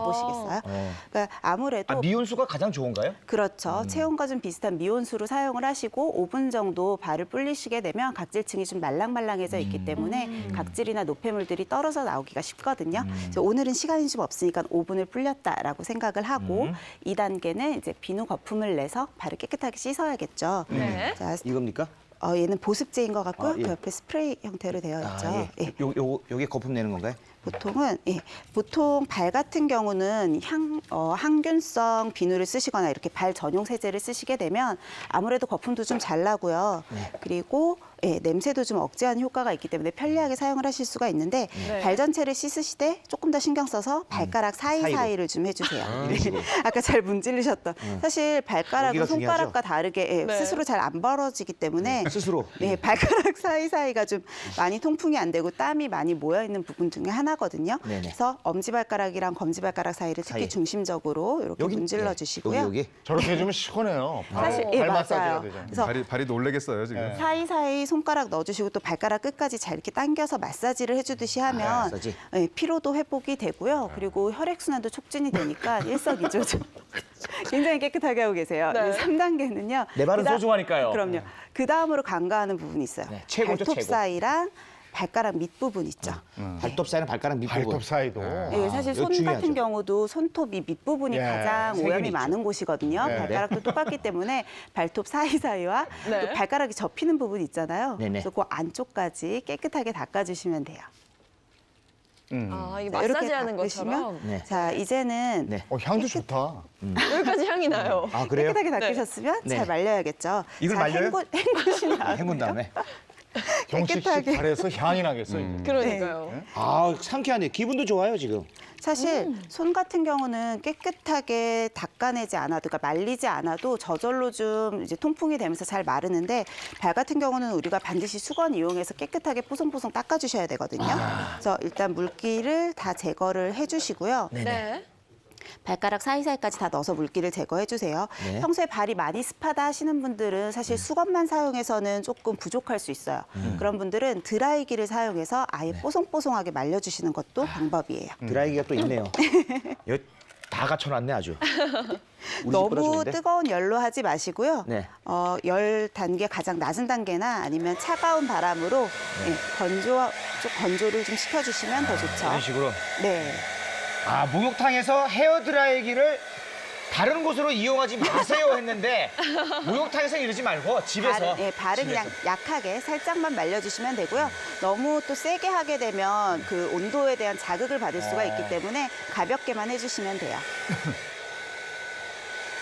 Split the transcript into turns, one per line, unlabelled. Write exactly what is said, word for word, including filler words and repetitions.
해보시겠어요?
어.
그러니까 아무래도
아, 미온수가 가장 좋은가요?
그렇죠.
음.
체온과 좀 비슷한 미온수로 사용을 하시고 오 분 정도 발을 불리시게 되면 각질층이 좀 말랑말랑해져 있기 때문에
음.
각질이나 노폐물들이 떨어져 나오기가 쉽거든요.
음.
그래서 오늘은 시간이 좀 없으니까 오 분을 불렸다라고 생각을 하고
음.
이 단계는 이제 비누 거품을 내서 발을 깨끗하게 씻어야겠죠.
네.
자,
이겁니까?
어, 얘는 보습제인 것 같고요.
아, 예.
그 옆에 스프레이 형태로 되어 있죠.
아, 예.
예.
요, 요, 요게 거품 내는 건가요?
보통은 예, 보통 발 같은 경우는 향, 어, 항균성 비누를 쓰시거나 이렇게 발 전용 세제를 쓰시게 되면 아무래도 거품도 좀 잘 나고요.
네.
그리고 예, 냄새도 좀 억제하는 효과가 있기 때문에 편리하게 사용을 하실 수가 있는데
네.
발 전체를 씻으시되 조금 더 신경 써서 발가락 사이사이를 좀 해주세요.
아,
네.
식으로.
아까 잘 문질르셨던 사실 발가락은
여기가
손가락과 다르게 예,
네.
스스로 잘 안 벌어지기 때문에
스스로.
네, 발가락 사이사이가 좀 많이 통풍이 안 되고 땀이 많이 모여 있는 부분 중에 하나거든요.
네네.
그래서 엄지발가락이랑 검지발가락 사이를 특히
사이.
중심적으로 이렇게
여기
문질러
네.
주시고요.
여기 여기.
저렇게 해주면 시원해요.
사실
발,
예,
발
맞아요.
마사지가 되잖아요.
그래서
발이 발이 놀래겠어요 지금.
네.
사이사이 손가락 넣어주시고 또 발가락 끝까지 잘 이렇게 당겨서 마사지를 해주듯이 하면
마사지.
예, 피로도 회복이 되고요. 그리고 혈액순환도 촉진이 되니까 일석이조죠. 굉장히 깨끗하게 하고 계세요.
네.
삼 단계는요.
내 발은 소중하니까요.
그럼요. 그 다음으로 간과하는 부분이 있어요.
네, 최고죠,
발톱
최고.
사이랑 발가락 밑부분 있죠.
발톱 사이는 발가락 밑부분.
발톱 사이도.
예, 사실
이거
손
중요하죠.
같은 경우도 손톱이 밑부분이
예,
가장
세균이
오염이
있죠.
많은 곳이거든요.
네.
발가락도 똑같기 때문에 발톱 사이사이와
네.
또 발가락이 접히는 부분 있잖아요.
네네.
그래서 그 안쪽까지 깨끗하게 닦아주시면 돼요.
음.
아, 이게
자, 이렇게
마사지하는
닦으시면
것처럼
네.
자, 이제는
네.
어, 향도 좋다.
여기까지 향이 나요.
아 그래요?
깨끗하게 닦으셨으면
네.
잘 말려야겠죠.
이걸
자,
말려요?
헹구, 헹구신 다음에
헹군 다음에.
경식 씨
깨끗하게.
발에서 향이 나겠어. 이제.
그러니까요.
아 상쾌하네. 기분도 좋아요 지금.
사실 손 같은 경우는 깨끗하게 닦아내지 않아도, 그러니까 말리지 않아도 저절로 좀 이제 통풍이 되면서 잘 마르는데 발 같은 경우는 우리가 반드시 수건 이용해서 깨끗하게 뽀송뽀송 닦아주셔야 되거든요. 그래서 일단 물기를 다 제거를 해주시고요.
네.
발가락 사이사이까지 다 넣어서 물기를 제거해 주세요.
네.
평소에 발이 많이 습하다 하시는 분들은 사실 수건만 사용해서는 조금 부족할 수 있어요. 그런 분들은 드라이기를 사용해서 아예 뽀송뽀송하게 말려주시는 것도 방법이에요.
드라이기가 또 있네요. 여기 다 갖춰놨네 아주. 우리 집보다
너무
좋은데?
뜨거운 열로 하지 마시고요.
네.
어, 열 단계 가장 낮은 단계나 아니면 차가운 바람으로 예, 건조, 좀 건조를 좀 시켜주시면 더 좋죠.
이런 식으로.
네.
아 목욕탕에서 헤어 드라이기를 다른 곳으로 이용하지 마세요 했는데 목욕탕에서 이러지 말고 집에서.
발은, 예, 발은
집에서.
그냥 약하게 살짝만 말려주시면 되고요. 너무 또 세게 하게 되면 그 온도에 대한 자극을 받을 수가 있기 때문에 가볍게만 해주시면 돼요.